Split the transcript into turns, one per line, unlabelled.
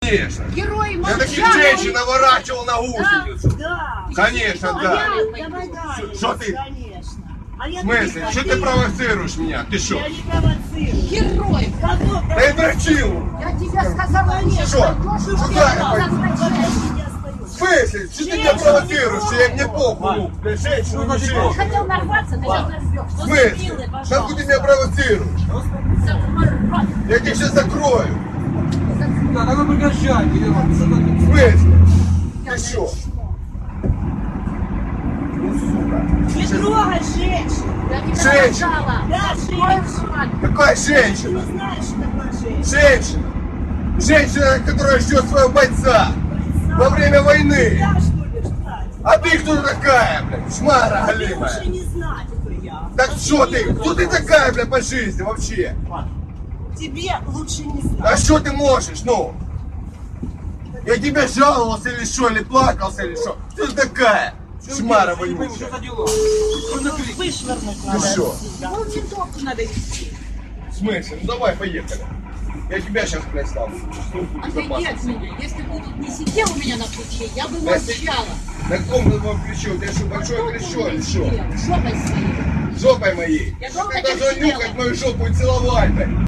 Конечно.
Герой
Я
молчал.
таких женщин наворачивал на гусеницу.
Да.
Конечно, да.
Давай дальше.
Что ты?
Конечно. А я
В смысле? Что ты провоцируешь меня? Ты что?
Я не провоцирую.
Герой.
Кого
Да и дрочил.
Я тебе сказала, нет.
Что? Куда я пойду?
провоцирую?
В смысле? Что ты меня провоцируешь? Что я мне похуй? Ну, для женщин, не женщин.
Хотел нарваться, ты сейчас нарвешь.
В смысле? Как ты меня провоцируешь? Я тебя сейчас закрою.
Да, надо прекращать, Елена, что ты?
В смысле? Ты что? Ну, сука.
Не трогай женщин.
Я тебе
Женщина.
сказала.
Да, женщина.
Какая
Ты
женщина?
не знаешь, что такое женщина.
Женщина. Женщина, которая ждет своего бойца во время войны.
Я что ли ждать?
А ты кто такая, блядь? Шмара
Ты
галимая.
лучше не знать, кто я.
Так что ты? Кто ты такая, блядь, по жизни вообще?
Тебе лучше не знать.
А что ты можешь, ну? Я тебе жаловался или что, или плакался, или что? Кто ты такая? Шмара
Я не пойму, что
вонючая.
за дела? Что за крик?
Вышвырнуть
Ты
надо.
что?
отсюда.
Ну, винтовку надо вести.
В смысле? Ну давай, поехали. Я тебя сейчас, блядь, ставлю. Службу
Отойди от
безопасности.
меня. Если бы тут не сидел у меня на плече, я бы
Да си-
молчала.
На каком ты твоем плече? У тебя что, большое плечо или что?
Жопой своей.
Жопой моей.
Я
Ты
долго
должен
не сидела.
нюхать мою жопу и целовать, блядь.